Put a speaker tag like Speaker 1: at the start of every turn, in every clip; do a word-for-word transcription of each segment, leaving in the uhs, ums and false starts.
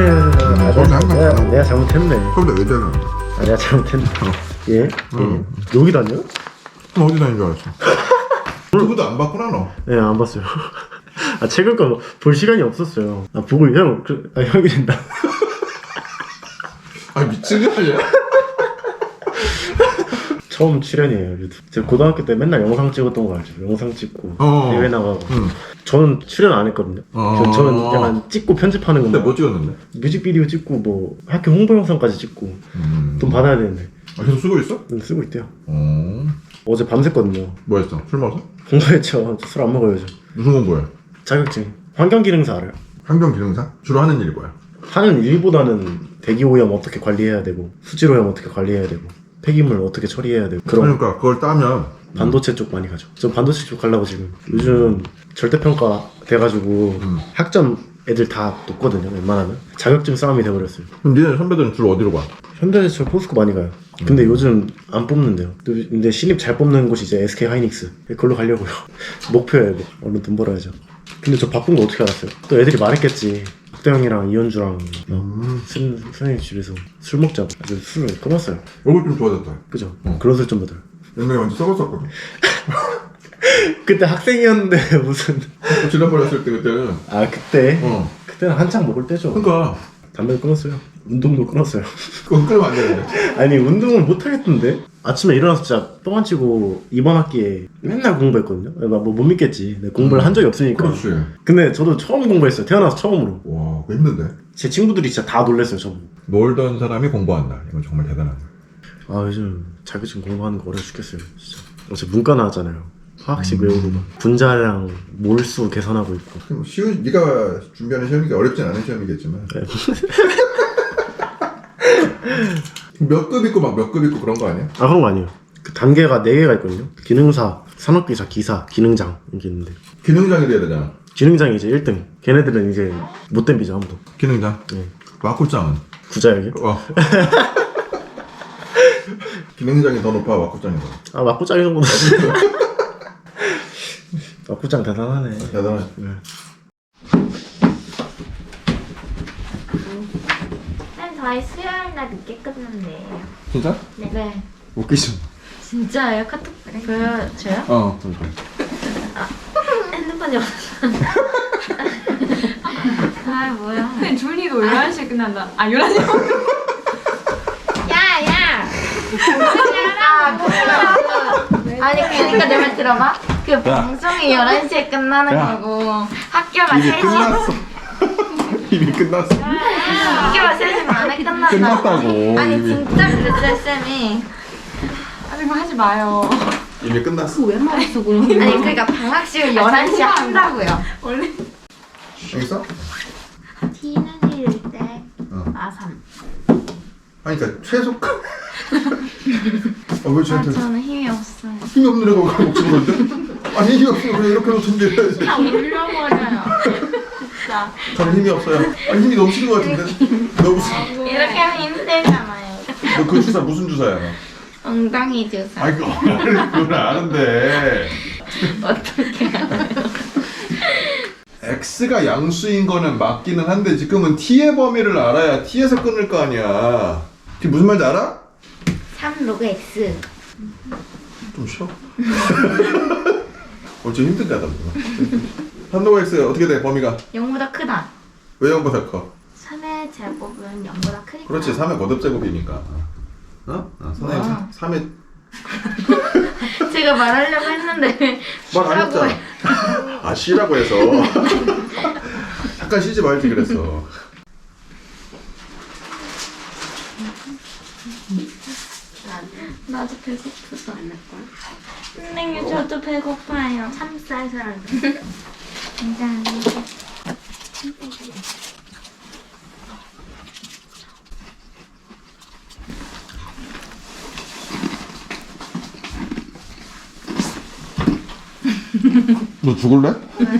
Speaker 1: 아,
Speaker 2: 거기 항상
Speaker 1: 내가,
Speaker 2: 가는
Speaker 1: 내가 잘못했네.
Speaker 2: 서울대 외대는
Speaker 1: 아, 내가 잘못했네. 예?
Speaker 2: 응.
Speaker 1: 예? 여기 다녀?
Speaker 2: 그럼 어디 다닌 줄 알았어? 유튜브도 안 봤구나 너.
Speaker 1: 네, 안 봤어요. 아, 책을 거 볼 시간이 없었어요. 아, 보고 형, 그, 아, 형이 된다.
Speaker 2: 아 미친 거 아니야?
Speaker 1: 처음 출연이에요, 유튜브. 제가 고등학교 때 맨날 영상 찍었던 거 알죠? 영상 찍고
Speaker 2: 어.
Speaker 1: 대회 나가고.
Speaker 2: 응.
Speaker 1: 저는 출연 안 했거든요.
Speaker 2: 어.
Speaker 1: 저, 저는 약간 찍고 편집하는
Speaker 2: 근데
Speaker 1: 것만.
Speaker 2: 뭐 찍었는데?
Speaker 1: 뮤직비디오 찍고 뭐 학교 홍보 영상까지 찍고
Speaker 2: 음.
Speaker 1: 돈 받아야 되는데
Speaker 2: 아 계속 쓰고 있어?
Speaker 1: 돈 쓰고 있대요.
Speaker 2: 어.
Speaker 1: 어제 밤샜거든요.
Speaker 2: 뭐 했어? 술 먹었어?
Speaker 1: 공부했죠. 술 안 먹어요 요즘.
Speaker 2: 무슨 공부해?
Speaker 1: 자격증. 환경기능사 알아요?
Speaker 2: 환경기능사? 주로 하는 일이 뭐야?
Speaker 1: 하는 일보다는 대기오염 어떻게 관리해야 되고 수질오염 어떻게 관리해야 되고 폐기물 어떻게 처리해야 되고 그런
Speaker 2: 그러니까 그걸 따면
Speaker 1: 반도체 쪽 많이 가죠. 저 반도체 쪽 가려고 지금 요즘 절대평가 돼가지고
Speaker 2: 음.
Speaker 1: 학점 애들 다 높거든요. 웬만하면 자격증 싸움이 돼버렸어요.
Speaker 2: 그럼 니네 선배들은 주로 어디로 가?
Speaker 1: 현대제철 포스코 많이 가요. 근데 요즘 안 뽑는데요. 근데 신입 잘 뽑는 곳이 이제 에스케이 하이닉스. 그걸로 가려고요. 목표예요. 뭐. 얼른 돈 벌어야죠. 근데 저 바쁜 거 어떻게 알았어요? 또 애들이 말했겠지. 국대형이랑 이현주랑
Speaker 2: 음.
Speaker 1: 술, 선생님 집에서 술 먹자고. 아주 술을 끊었어요.
Speaker 2: 얼굴 좀 좋아졌다.
Speaker 1: 그죠?
Speaker 2: 어.
Speaker 1: 그런 술 좀 받아요.
Speaker 2: 옛날에 완전 썩었었거든.
Speaker 1: 그때 학생이었는데 무슨
Speaker 2: 지난번에 했을 때 그때는
Speaker 1: 아 그때?
Speaker 2: 어.
Speaker 1: 그때는 한창 먹을 때죠.
Speaker 2: 그러니까
Speaker 1: 담배를 끊었어요. 운동도 끊었어요.
Speaker 2: 그건 끊으면 안 되는데.
Speaker 1: 아니 운동을 못 하겠던데 아침에 일어나서 진짜 똥 안 치고 이번 학기에 맨날 공부했거든요. 뭐 못 믿겠지. 내가 공부를 한 적이 없으니까.
Speaker 2: 그렇지.
Speaker 1: 근데 저도 처음 공부했어요. 태어나서 처음으로.
Speaker 2: 와, 그거 힘든데.
Speaker 1: 제 친구들이 진짜 다 놀랐어요. 저보고.
Speaker 2: 놀던 사람이 공부한다. 이건 정말 대단하다.
Speaker 1: 아 요즘 자격증 공부하는 거 어려워 죽겠어요. 진짜. 어제 문과 나왔잖아요. 화학식
Speaker 2: 음.
Speaker 1: 외우고 막 분자량 몰수 계산하고 있고.
Speaker 2: 그럼 쉬운 네가 준비하는 시험이 어렵진 않은 시험이겠지만.
Speaker 1: 네.
Speaker 2: 몇 급 있고 막 몇 급 있고 그런 거 아니야?
Speaker 1: 아 그런 거 아니에요. 그 단계가 네 개가 있거든요. 기능사, 산업기사, 기사, 기능장 이게 있는데
Speaker 2: 기능장이 돼야 되잖아.
Speaker 1: 기능장이 이제 일 등. 걔네들은 이제 못 덤비죠 아무도.
Speaker 2: 기능장.
Speaker 1: 네.
Speaker 2: 와꾸장은.
Speaker 1: 구자역이요?
Speaker 2: 어. 기능장이 더 높아 와꾸장이 더.
Speaker 1: 아 막구장 정도는 막구장 대단하네.
Speaker 2: 대단하지.
Speaker 1: 네.
Speaker 3: 쌤 저희 수요일 날 늦게 끝난대요.
Speaker 2: 진짜?
Speaker 3: 네. 네.
Speaker 2: 웃기죠.
Speaker 3: 진짜예요? 카톡 보여줘요?
Speaker 2: 어.
Speaker 3: 핸드폰이 없어. 아 뭐야?
Speaker 4: 근데 준이도 열한 시에 끝난다. 아 열한 시?
Speaker 3: 야야. 아니 그러니까 내 말 들어봐. 그 방송이 열한 시에 끝나는
Speaker 2: 야.
Speaker 3: 거고 학교가
Speaker 2: 이미
Speaker 3: 세 시.
Speaker 2: 끝났어. 이미 끝났어.
Speaker 3: 학교가 세 시 반에 끝난다.
Speaker 2: 끝났다고.
Speaker 3: 아니
Speaker 2: 이미.
Speaker 3: 진짜 그랬어요 쌤이.
Speaker 4: 아니 뭐 하지 마요.
Speaker 2: 이미 끝났어.
Speaker 4: 왜 말했어 그럼?
Speaker 3: 아니 그러니까 방학식을 열한 시에 한다고요.
Speaker 4: 원래
Speaker 2: 알겠어?
Speaker 3: T는 일 대
Speaker 2: 어.
Speaker 3: 마삼.
Speaker 2: 아니 그러니까 최소값. 아, 왜
Speaker 3: 아
Speaker 2: 쟤한테
Speaker 3: 저는 힘이 없어요.
Speaker 2: 힘이 없는 애가 그걸 먹는 건데? 아니 힘이 없으면 왜 이렇게 놓던지 해야지.
Speaker 3: 다 울려버려요. 진짜.
Speaker 2: 저는 힘이 없어요. 아니 힘이 넘치는 것 같은데? 너 무슨
Speaker 3: 이렇게 하면 힘들잖아요.
Speaker 2: 너 그 주사 무슨 주사야 너?
Speaker 3: 엉덩이 주사.
Speaker 2: 아이 그걸 아는데.
Speaker 3: 어떻게 알아요?
Speaker 2: X가 양수인 거는 맞기는 한데 지금은 T의 범위를 알아야 T에서 끊을 거 아니야. 그게 무슨 말인지 알아?
Speaker 3: 삼 로그 X.
Speaker 2: 좀 쉬어. 어째 힘든가 봐. 삼 로그 X 어떻게 돼 범위가?
Speaker 3: 영보다 크다.
Speaker 2: 왜 영보다 커?
Speaker 3: 삼의 제곱은 영보다 크니까.
Speaker 2: 그렇지 삼의 거듭제곱이니까. 어? 아, 선생님
Speaker 3: 와.
Speaker 2: 삼의
Speaker 3: 제가 말하려고 했는데
Speaker 2: 말 안
Speaker 3: 쉬라고
Speaker 2: 했잖아. 아 쉬라고 해서 잠깐 쉬지 말지 그랬어.
Speaker 3: 나도 배고프다. 선생님 저도 배고파요. 참쌀쌀. 감사합니다.
Speaker 2: 너 죽을래?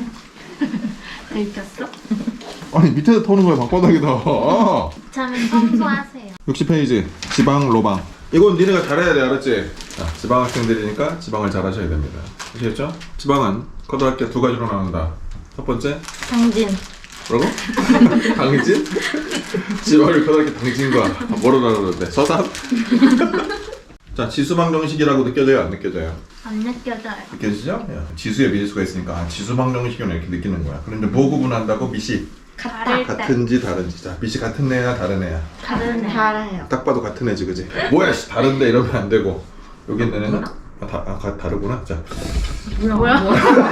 Speaker 3: 들켰어?
Speaker 2: 아니 밑에서 터는 거야 방바닥에다.
Speaker 3: 저는 청소하세요.
Speaker 2: 육십 페이지 지방 로방. 이건 니네가 잘해야 돼 알았지? 자, 지방 학생들이니까 지방을 잘하셔야 됩니다. 아시겠죠? 지방은 고등학교 두 가지로 나눈다. 첫 번째
Speaker 3: 장진.
Speaker 2: 뭐라고? 강진? 지방을 커다랗게 당진 거야. 뭐로 나누는데? 서산? 자, 지수방정식이라고 느껴져요? 안 느껴져요?
Speaker 3: 안 느껴져요.
Speaker 2: 느껴지죠? 야, 지수에 미지수가 있으니까 아, 지수방정식은 이렇게 느끼는 거야. 그런데 뭐 구분한다고? 밑이
Speaker 3: 다를 때.
Speaker 2: 같은지 다른지. 자, 밑이 같은 애야 다른 애야?
Speaker 3: 다른 애. 달아요.
Speaker 2: 딱 봐도 같은 애지, 그지? 뭐야, 씨, 다른데 이러면 안 되고. 여기 있는 애는 아, 다, 아, 가- 다르구나. 자,
Speaker 3: 뭐야?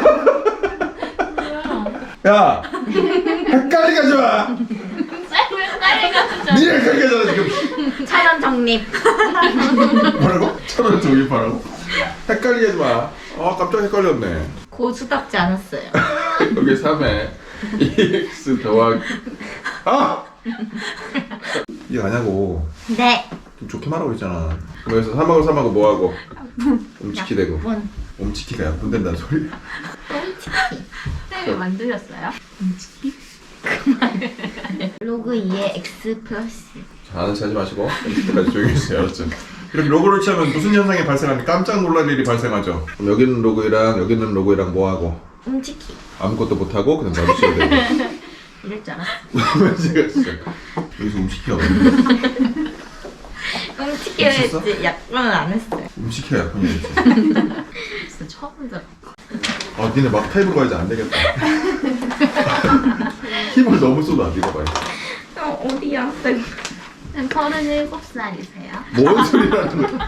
Speaker 2: 야, 헷갈리게 하지 마.
Speaker 3: 헷갈리가
Speaker 2: 니네 헷갈리게 하잖아 지금.
Speaker 3: 차원 정립.
Speaker 2: 뭐라고? 천원 조립하라고? 헷갈리게 하지 마. 아, 깜짝 헷갈렸네.
Speaker 3: 고수답지 않았어요.
Speaker 2: 여기 삼에 이엑스 더하기 아! 이해 아냐고.
Speaker 3: 네.
Speaker 2: 좀 좋게 말하고 있잖아. 그래서 삼하고 삼하고 뭐하고? 옴치키 되고.
Speaker 3: 뭔?
Speaker 2: 옴치키가 약분된다는 소리.
Speaker 4: 쌤이 만드셨어요?
Speaker 3: 로그 이에 x 플러스.
Speaker 2: 자, 아는 체 하지 마시고 이때까지 조용히 해주세요. 알았죠? 이렇게 로그를 치면 무슨 현상이 발생하니 깜짝 놀랄 일이 발생하죠. 그럼 여기는 로그이랑 여기는 로그이랑 뭐하고?
Speaker 3: 움직이.
Speaker 2: 아무것도 못하고 그냥 놔두셔야 되고.
Speaker 3: 이럴 줄 알았어.
Speaker 2: 제가 진짜 여기서 움치키가 없는데.
Speaker 3: 움직이를 했지. 약분은 안 했어요.
Speaker 2: 움치키가 약분이겠지.
Speaker 3: 진짜 처음 들어.
Speaker 2: 아, 니네 막 타입으로 가야지 안 되겠다. 힘을 너무 쏟아, 니가 봐요.
Speaker 3: 어, 어디야? 서른일곱 살이세요?
Speaker 2: 뭔 소리라는 거야.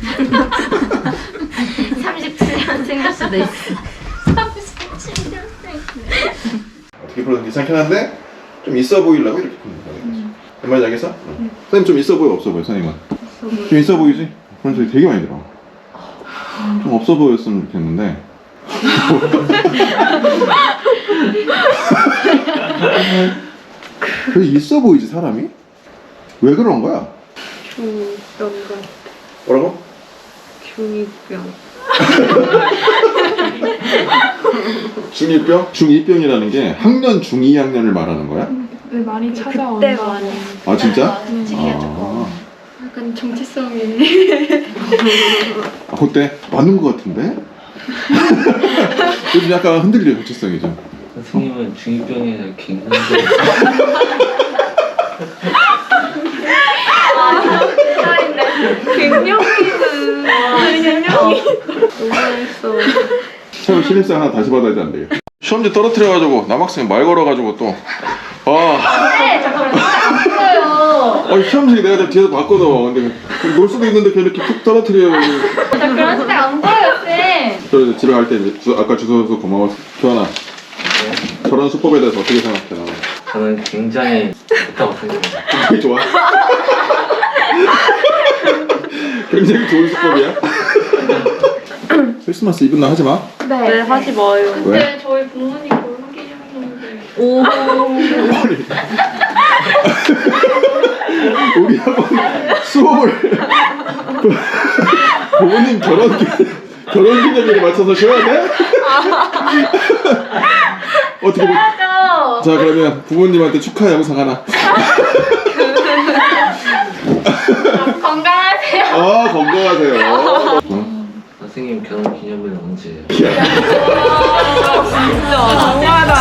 Speaker 3: 삼십칠 년생일 수도 있어. 삼십칠 년생.
Speaker 2: 어떻게 풀어도 괜찮긴 한데 좀 있어 보이려고 이렇게 푸는 거야. 그 말인지 알겠어? 응. 선생님 좀 있어 보여, 없어 보여, 선생님은? 좀 있어 보이지? 그런 소리 되게 많이 들어. 좀 없어 보였으면 좋겠는데. 그래 있어 보이지 사람이? 왜 그런 거야?
Speaker 5: 중병과
Speaker 2: 뭐라고?
Speaker 5: 중이병.
Speaker 2: 중이병? 중이병이라는 게 학년 중이 학년을 말하는 거야?
Speaker 4: 왜 많이
Speaker 5: 그때
Speaker 4: 찾아온다.
Speaker 5: 많이
Speaker 2: 아 진짜?
Speaker 3: 움직이가 좀.
Speaker 2: 아,
Speaker 5: 약간 정체성이
Speaker 2: 아 그때 맞는 거 같은데? 요즘 약간 흔들려 정체성이 좀.
Speaker 6: 선생님은 중이병에 대해 굉장히
Speaker 5: 갱년기는 갱년기 너무했어.
Speaker 2: 처음 신입생 하나 다시 받아야 돼 안 되겠다. 시험지 떨어뜨려가지고 남학생 말 걸어가지고 또 아.
Speaker 3: 네, 잠깐만. 안 보여요.
Speaker 2: 아 시험지 내가 뒤에서 봤거든. 근데 놀 수도 있는데 걔 이렇게 툭 떨어뜨려.
Speaker 3: 저 그런 스타일 안 보여요, 쌤.
Speaker 2: 저 이제 집에 갈 때 아까 주소서 고마워. 교환아. 저런 수법에 대해서 어떻게 생각해? 나?
Speaker 6: 저는 굉장히 좋다고 생각합니다.
Speaker 2: 굉장히 좋아. 굉장히 좋은 수법이야. 크리스마스 이브는 하지 마.
Speaker 5: 네, 하지 마요.
Speaker 2: 왜?
Speaker 5: 근데 저희 부모님 결혼 기념일인데.
Speaker 3: 오.
Speaker 2: 우리 한번 수업을 부모님 결혼 기- 결혼 기념일에 맞춰서 쉬어야 돼? 어떻게 보... 자 그러면 부모님한테 축하 영상 하나.
Speaker 3: 건강하세요.
Speaker 2: 아 건강하세요. 어?
Speaker 6: 선생님 결혼 기념일은 언제예요?
Speaker 5: 진짜 정말다.